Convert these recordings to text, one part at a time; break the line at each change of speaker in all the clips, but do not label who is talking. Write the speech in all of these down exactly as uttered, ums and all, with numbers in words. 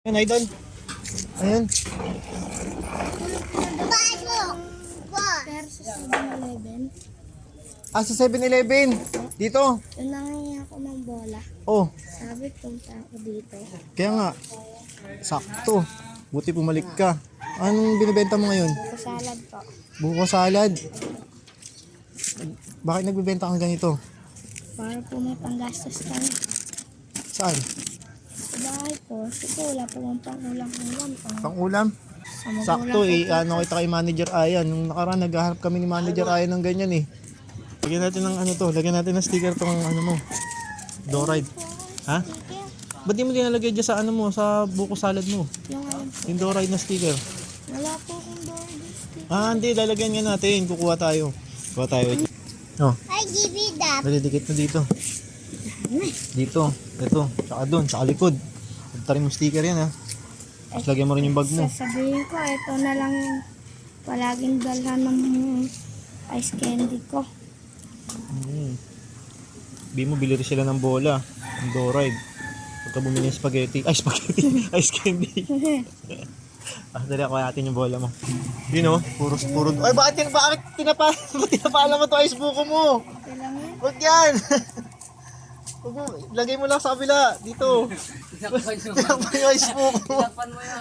Ayan, idol. Ayan.
Pero sa seven eleven,
Ah, sa seven eleven. Dito.
yun nangyay ako ng bola.
Oh,
Sabi, punta ako dito.
kaya nga. Sakto. Buti pumalik ka. Anong binibenta mo ngayon?
Kasalad po.
Buko salad. Bakit nagbibenta kang ganito?
Para po may panggastos kami.
Saan?
Sa bahay po, kasi wala po mong pangulang-ulam. Pang,
Pang ulam?
sa magulang
Sakto
ko
eh.
po.
Ano kita kay Manager Ayan. Nung nakaraan naghahanap kami ni Manager Ayan ng ganyan eh. Lagyan natin ng ano to. Lagyan natin ng sticker tong ano mo. Doride. Ha?
Sticker.
Ba't di mo dinalagay dyan sa ano mo? Sa buko salad mo?
Yung ano,
Yung Doride na sticker.
wala po akong board sticker.
Ah, hindi. Lalagyan nga natin. Kukuha tayo. Kuha tayo. Oh,
Ay, give it up.
nadidikit na dito. Dito. Ito. Tsaka doon. Tsaka likod. Tarin mo sticker yan ha. Tapos lagyan mo rin yung bag mo.
Sasabihin ko, ito na lang yung palaging dalhan ng ice candy ko.
Hmm. Bi mo, bili rin sila ng bola. Ng Doride. Pagka bumili ng spaghetti. Ay, spaghetti. Ice candy. Ah, dali ako natin yung bola mo. Yun o. Puro, puro. Ay, bakit, tin bakit tinapa bakit tinapala mo to ice buko mo?
Okay lang yan.
Huwag yan. Huwag mo. Lagay mo lang sa kabila. Dito. Tinapay yung ice buko mo.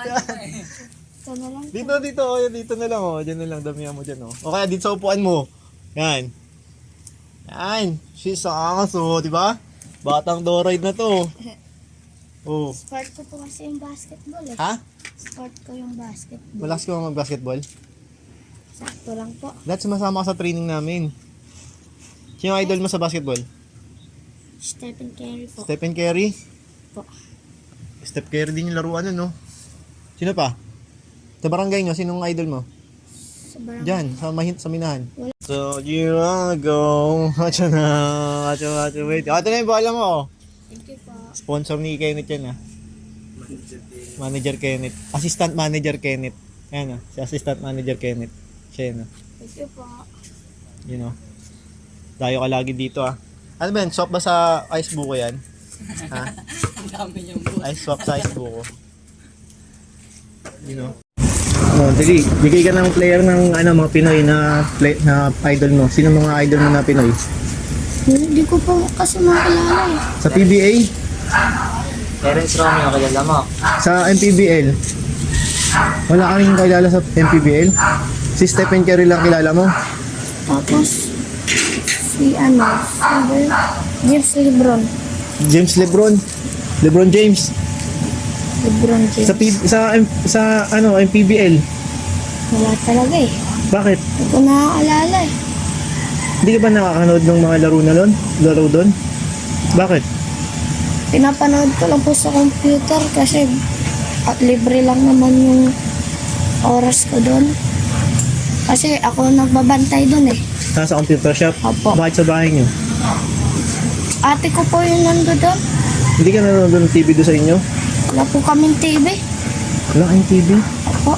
Ito na lang.
Dito, dito. O, yan, dito na lang. O. Diyan na lang. Damihan mo dyan. O, o kaya dito sa upuan mo. Yan. Yan. She's ang angas o. Diba? Batang Doride na to. Oh.
Sport ko po kasi yung basketball eh.
Ha?
Sport ko yung basketball.
Malakas ka ba mag-basketball?
Sakto lang po.
Dahil sumasama ka sa training namin. Sino ang idol mo sa basketball?
Stephen Curry po.
Stephen Curry?
Po.
Steph Curry din yung laruan nun, no? Sino pa? Sa barangay nyo, sinong idol mo?
Sa barangay.
Diyan, sa, mahin, sa minahan.
Wala.
So, you wanna go? Watcha na, watcha, watcha, wait. Ah, ito na yung bola mo, oh.
Thank you po.
Sponsor ni Kenneth yan, ah. Manager Kenneth. Assistant Manager Kenneth. Ayan, ah. Si Assistant Manager Kenneth. Siya yan, ah.
Thank you po.
You know. Dayo ka lagi dito, ah. Ano ba yan? Swap ba sa ice buko yan? Ha? Ice swap sa ice buko. You know. Oh, dali. Bigay ka ng player ng ano, mga Pinoy na play, na idol mo. Sino mga idol mo na Pinoy?
Hindi ko po kasi makilala eh.
Sa P B A?
Terence Romeo, kilala mo?
Sa M P B L? Wala ka rin kilala sa M P B L? Si Stephen Curry lang kilala mo?
Tapos, si ano, sabi, James Lebron.
James Lebron? Lebron James?
Lebron James.
Sa P sa M- sa ano, M P B L?
Wala talaga eh.
Bakit?
Hindi ko nakaalala eh.
Hindi ka ba nakakanood ng mga laro na doon? Laro doon? Bakit?
Pinapanood ko lang po sa computer kasi at libre lang naman yung oras ko doon. Kasi ako nagbabantay doon eh.
Nasa computer shop?
Opo.
Bakit sa bahay niyo?
Ate ko po yung nando doon.
Hindi ka nanonood ng T V doon sa inyo?
Wala po kaming T V.
Wala kayong T V?
Opo.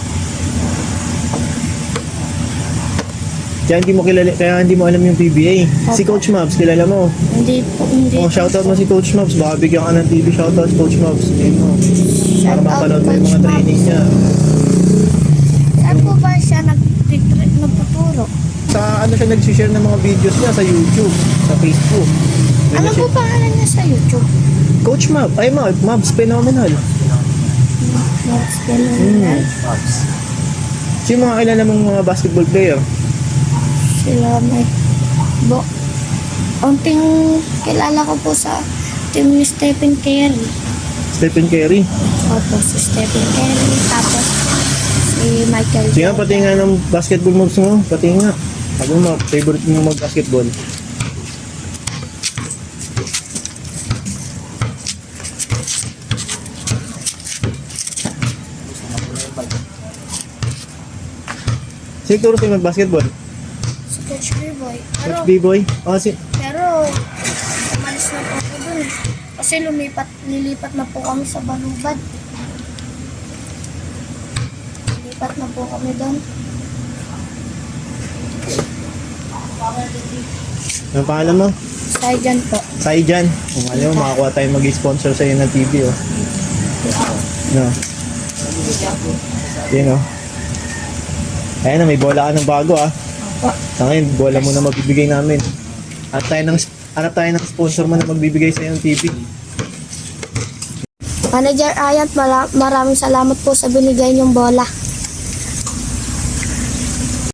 Kaya hindi mo kilala, kaya hindi mo alam yung P B A. Si Coach Mabs, kilala mo?
Hindi po, hindi.
Oh, shoutout mo si Coach Mabs. Baka bigyan ka ng T V shoutout Coach Mabs. Ayun mo. Para
Shoutout,
mapanood mo yung
Coach
mga training
Mabs.
niya.
Saan po ba siya nagtitreat, nagtuturo?
Sa ano siya nag-share ng mga videos niya sa YouTube, sa Facebook. Doon
Ano
na
po
siya-
pangalan niya sa YouTube?
Coach Mabs. Ay, Mabs. Mabs, phenomenal.
That's phenomenal.
Sino mga kilala mong mga basketball player?
Sila may bo. Unting kilala ko po sa team ni Stephen Curry.
Stephen Curry.
Opo, si Stephen Curry. Tapos si Michael
Sige nga,
Jordan.
pati nga ng basketball moves mo. Pati nga. Sabi mo, favorite mo mag-basketball. Sige, turo sa'yo mag-basketball.
Si Coach B-Boy. Pero,
Coach B-Boy. Oh, si...
pero umalis na po ako dun. Kasi lumipat, lilipat na po kami sa Balubad. Lilipat na po kami doon.
Anong pangalan mo?
Saijan po.
Saijan. Kung alam mo, makakuha tayo mag-sponsor sa'yo ng T V, oh. No. Yun, oh. Ayan na, may bola ka ng bago, ah. Sa ngayon, bola mo na magbibigay namin. Hanap tayo ng, hanap tayo ng sponsor mo na magbibigay sa'yo ng T V.
Manager Ayat, mara- maraming salamat po sa binigay niyong bola.